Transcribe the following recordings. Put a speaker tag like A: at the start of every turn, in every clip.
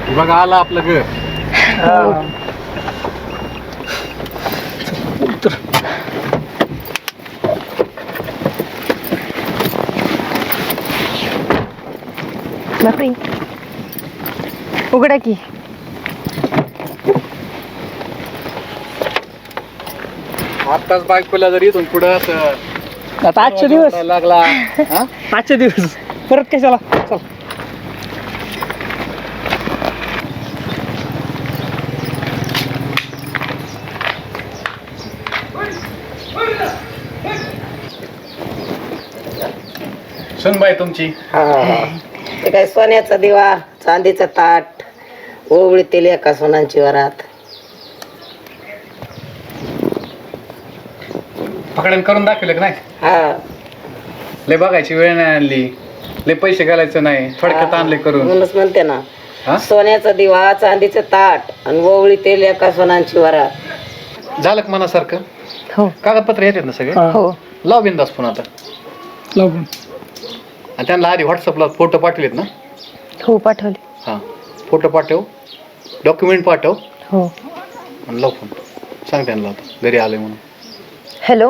A: बघा आला आपलं घर.
B: बापरे, उघडा की.
A: आत्ताच बायकोला जर इथून पुढं
C: आता आजचे दिवस
A: लागला हा?
C: आजचे दिवस परत कशाला. चल
A: सुनबाई तुमची
D: ते काय सोन्याचा दिवा, चांदीचं ताट, ओवळीतील एका सोनांची वरात.
A: पकडण करून दाखवलं की नाही?
D: हा
A: लय बघायची वेळ नाही आणली, लय पैसे घालायचं नाही, थोडक्यात आणले करून.
D: म्हणूनच म्हणते ना,
A: हा?
D: सोन्याचा दिवा, चांदीचं ताट आणि ओवळीतील एका सोनांची वरात.
A: झालं का मनासारखं?
B: हो
A: कागदपत्र येतात ना सगळे?
B: हो
A: लाव बिंदास फोन आता.
C: लागून
A: आणि त्यांना आधी व्हॉट्सअपला फोटो पाठवलेत ना?
B: हो पाठवले.
A: हां, फोटो पाठव, डॉक्युमेंट पाठव
B: हो.
A: आणि लाव फोन. सांग त्यांना आता घरी आले म्हणून.
B: हॅलो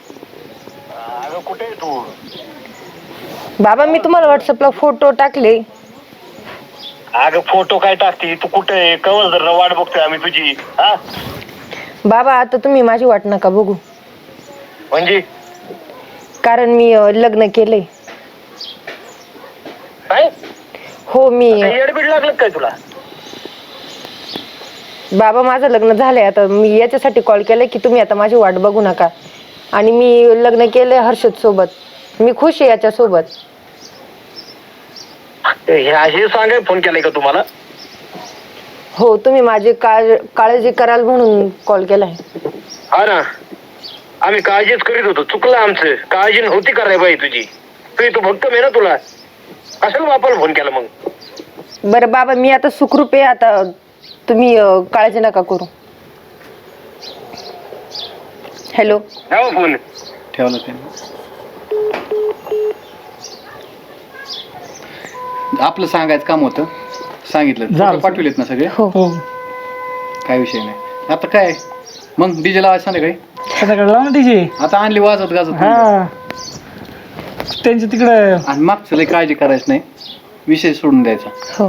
E: कुठे तू?
B: बाबा, मी तुम्हाला व्हॉट्सअपला फोटो टाकले.
E: अगं फोटो काय टाकते तू? कुठे कवल जर वाट बघतोय आम्ही तुझी. हा
B: बाबा, आता तुम्ही माझी वाट नका बघू,
E: म्हणजे
B: कारण मी लग्न केलंय.
E: काय
B: हो, मी
E: एडबीड लागलं काय तुला?
B: बाबा, माझं लग्न झालंय. आता मी याच्यासाठी कॉल केलाय की तुम्ही आता माझी वाट बघू नका. आणि मी लग्न केलंय हर्षद सोबत. मी खुश आहे याच्या सोबत.
E: हे सांगाय फोन केलाय का तुम्हाला?
B: हो, तुम्ही माझी काळजी कराल म्हणून कॉल केलाय.
E: हा ना, आम्ही काळजीच करीत होतो. चुकलं आमचं. काळजी नव्हती करायला बाई तुझी. तू भक्त आहे ना, तुला कशाला बापाला फोन केला मग?
B: बरं बाबा, मी आता सुखरूप आहे. आता तुम्ही काळजी नका करू. हॅलो,
E: ठेवा फोन.
A: ठेवलं त्यांनी. आपलं सांगायचं काम होतं, सांगितलं. फोटो पाठवलेत ना सगळे?
B: हो
C: हो
A: काय विषय नाही. आता काय मग डीजे लावायचं संध्याकाळी?
C: त्याच्याकडे लाव ना तिची.
A: आता आणली वाजत गाजत.
C: हा त्यांच्या तिकडे
A: आणि मागचं लय काळजी करायची नाही, विषय सोडून द्यायचा.
B: हो.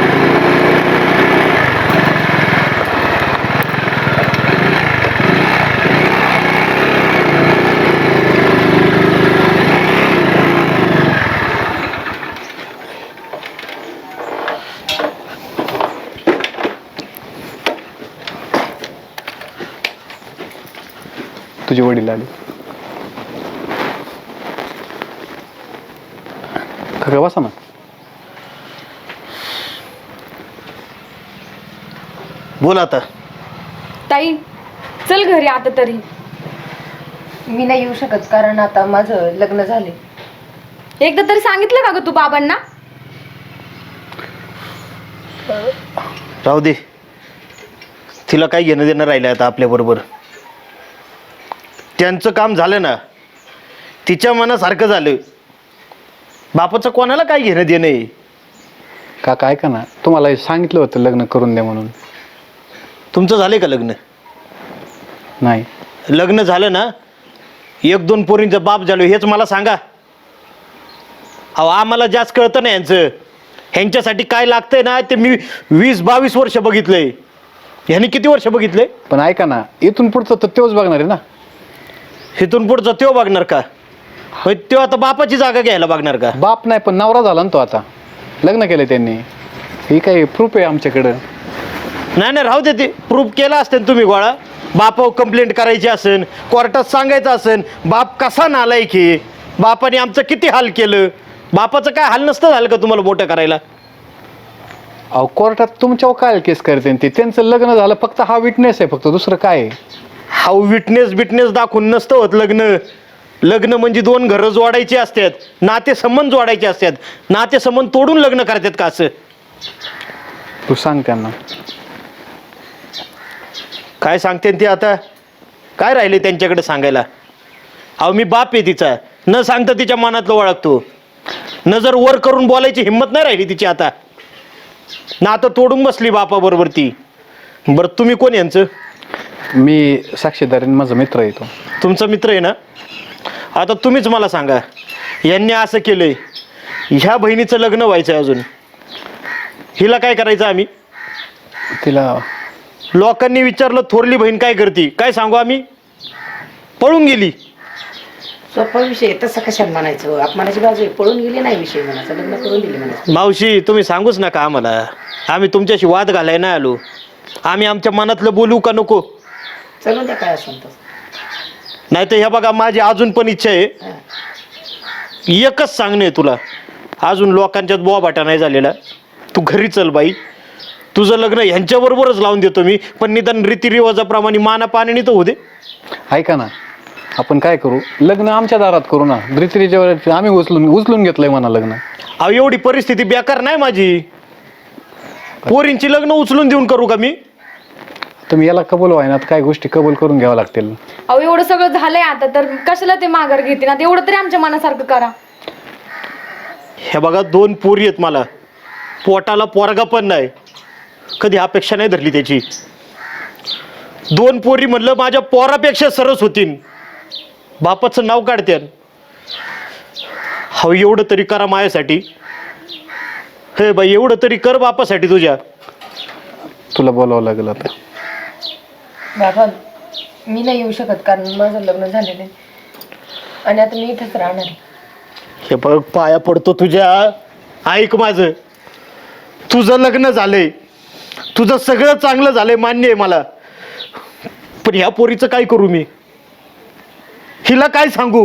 A: तुझे वडील आले. खरं बसा ना.
F: बोल आता.
G: ताई, चल घरी आता तरी.
B: मी नाही येऊ शकत कारण आता माझं लग्न झाले.
G: एकदा तरी सांगितलं का ग तू बाबांना?
F: राहू दे, तिला काही घेणं देणं राहिलं आता आपल्याबरोबर. त्यांचं काम झालं ना, तिच्या मनासारखं झालं. बापाचं कोणाला काय घेणं देणं आहे?
A: काका ऐका ना, तुम्हाला सांगितलं होतं लग्न करून द्या म्हणून.
F: तुमचं झालंय का लग्न?
A: नाही.
F: लग्न झालं ना, 1-2 पोरींचं बाप झालो हेच मला सांगा. अहो, आम्हाला जास्त कळतं ना यांचं. ह्यांच्यासाठी काय लागतंय ना ते मी 20-22 वर्ष बघितलंय. ह्यांनी किती वर्ष बघितलंय?
A: पण ऐका ना, इथून पुढचं तर तेच बघणार आहे ना.
F: इथून पुढचं त्यो बघणार का? होय, त्यो आता बापाची जागा घ्यायला बघणार का?
A: बाप नाही पण नवरा झाला ना तो. आता लग्न केलं त्यांनी. ही काही प्रूफ आहे आमच्याकडं.
F: नाही नाही, राहू दे. ते प्रूफ केला असतं तुम्ही गोळा. बापावर कंप्लेंट करायची असेल, कोर्टात सांगायचं असेल बाप कसा नालायक आहे, बापाने आमचं किती हाल केलं. बापाचं काय हाल नसतं झालं का तुम्हाला मोठं करायला?
A: अहो, कोर्टात तुमच्यावर काय केस करते ते? त्यांचं लग्न झालं, फक्त हा विटनेस आहे, फक्त दुसरं काय आहे?
F: हा विटनेस दाखवून नसतं होत लग्न. लग्न म्हणजे 2 घरं जोडायची असतात, नातेसंबंध जोडायचे असतात. नातेसंबंध तोडून लग्न करतात का असं?
A: तू सांग त्यांना.
F: काय सांगते ते आता? काय राहिले त्यांच्याकडे सांगायला? अहो, मी बाप आहे तिचा. न सांगता तिच्या मनातलं ओळखतो. न जर वर करून बोलायची हिंमत नाही राहिली तिची आता. ना आता तोडून बसली बापाबरोबर ती. बरं तुम्ही कोण यांचं?
A: मी साक्षीदार आहे, माझा मित्र येतो.
F: तुमचा मित्र आहे ना? आता तुम्हीच मला सांगा, यांनी असं केलंय, ह्या बहिणीचं लग्न व्हायचं आहे अजून, हिला काय करायचं आम्ही?
A: तिला
F: लोकांनी विचारलं थोरली बहीण काय करते, काय सांगू आम्ही? पळून गेली.
D: सोपा विषय तसं कशाला म्हणायचं, अपमानाची बाजू आहे, पळून गेली नाही विषय म्हणायचं, लग्न करून दिले म्हणायचं.
F: मावशी तुम्ही सांगूच नका आम्हाला, आम्ही तुमच्याशी वाद घालाय नाही आलो. आम्ही आमच्या मनातलं बोलू का नको?
D: चलून द्या काय असेल तसं.
F: नाही तर ह्या बघा, माझी अजून पण इच्छा आहे, एकच सांगणे तुला, अजून लोकांच्यात बोबाटा नाही झालेला, तू घरी चल बाई, तुझं लग्न ह्यांच्याबरोबरच लावून देतो मी, पण निदान रीतिरिवाजाप्रमाणे माना पाण्याने तर होऊ दे.
A: ऐका ना, आपण काय करू, लग्न आमच्या दारात करू ना. रीतिरिवाज आम्ही उचलून घेतलंय म्हणा लग्न.
F: अहो एवढी परिस्थिती बेकार नाही माझी, पोरींची लग्न उचलून देऊन करू का मी?
A: तुम्ही याला कबूल व्हाय ना, काय गोष्टी कबूल करून घ्यावं लागतील.
G: अहो एवढं सगळं झालंय आता, तर कशाला ते माघार घेते ना? एवढं तरी आमच्या मनासारखं करा.
F: हे बघा 2 पोरी आहेत मला, पोटाला पोरगा पण नाही, कधी अपेक्षा नाही धरली त्याची. 2 पोरी म्हणलं माझ्या पोरापेक्षा सरस होतीन, बापाचं नाव काढत्यान. हो एवढं तरी करा माझ्यासाठी. हे बाई एवढं तरी कर बापासाठी तुझ्या.
A: तुला बोलावं लागेल आता.
B: बाबा मी नाही येऊ शकत, कारण माझं लग्न झालेलं आहे आणि आता मी इथेच राहणार आहे.
F: हे बघ पाया पडतो तुझ्या, ऐक माझं, तुझं लग्न झालंय, तुझं सगळं चांगलं झालंय, मान्य आहे मला, पण ह्या पोरीचं काय करू मी? हिला काय सांगू?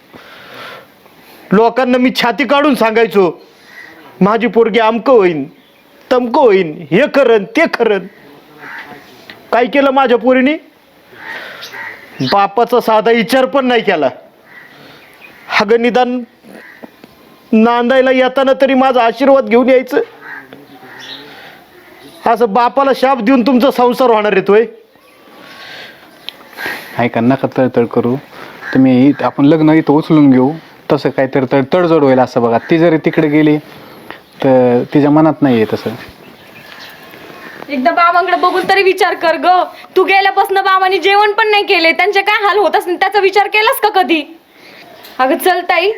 F: लोकांना मी छाती काढून सांगायचो माझी पोरगी अमकं होईन, तमकं होईन, हे करन ते करन. काय केलं माझ्या पोरीने? बापाचा साधा विचार पण नाही केला. अगं निदान नांदायला येताना तरी माझा आशीर्वाद घेऊन यायचं. असं बापाला शाप देऊन तुमचा संसार होणार येतोय?
A: ऐका, नका तळतळ करू तुम्ही. आपण लग्न इथं उचलून घेऊ, तसं काहीतरी तडजोड होईल असं बघा. ती जरी तिकडे गेली तर तिच्या मनात नाही आहे तसं.
G: एकदा बाबांकडे बघून तरी विचार कर ग. तू गेल्यापासून बाबांनी जेवण पण नाही केले, त्यांचे काय हाल होत असतील त्याचा विचार केलास का कधी? अगं चल ताई.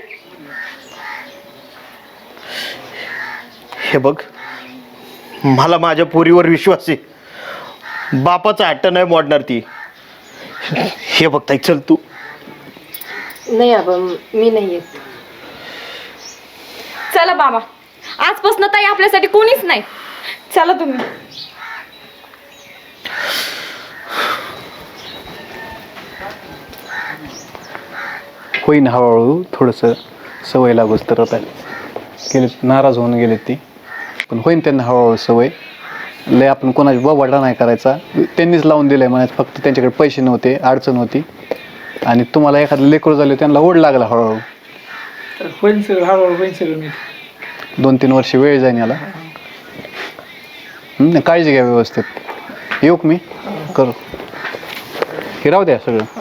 F: हे बघ, मला माझ्या पोरीवर विश्वास आहे, बापाचा हट्ट नाही मोडणार ती. हे बघ ताई, चल तू.
B: नाही बाबा मी नाही येत.
G: चला बाबा, आजपासून ताई आपल्यासाठी कोणीच नाही. चला तुम्ही.
A: होईन हळूहळू, थोडंसं सवय लागूच तर. आता गेले नाराज होऊन गेले ती, पण होईन त्यांना हळूहळू सवय. लय आपण कोणाची बोबाटा नाही करायचा. त्यांनीच लावून दिलंय म्हणायचं, फक्त त्यांच्याकडे पैसे नव्हते, अडचण होती, आणि तुम्हाला एखादं लेकरू झालं त्यांना ओढ लागला हळूहळू.
C: तर होईल सगळं, हळूहळू होईल सगळं. मी
A: 2-3 वर्ष वेळ जाईन याला. काळजी घ्या व्यवस्थित. येऊ का मी? करू. हे राहू द्या सगळं.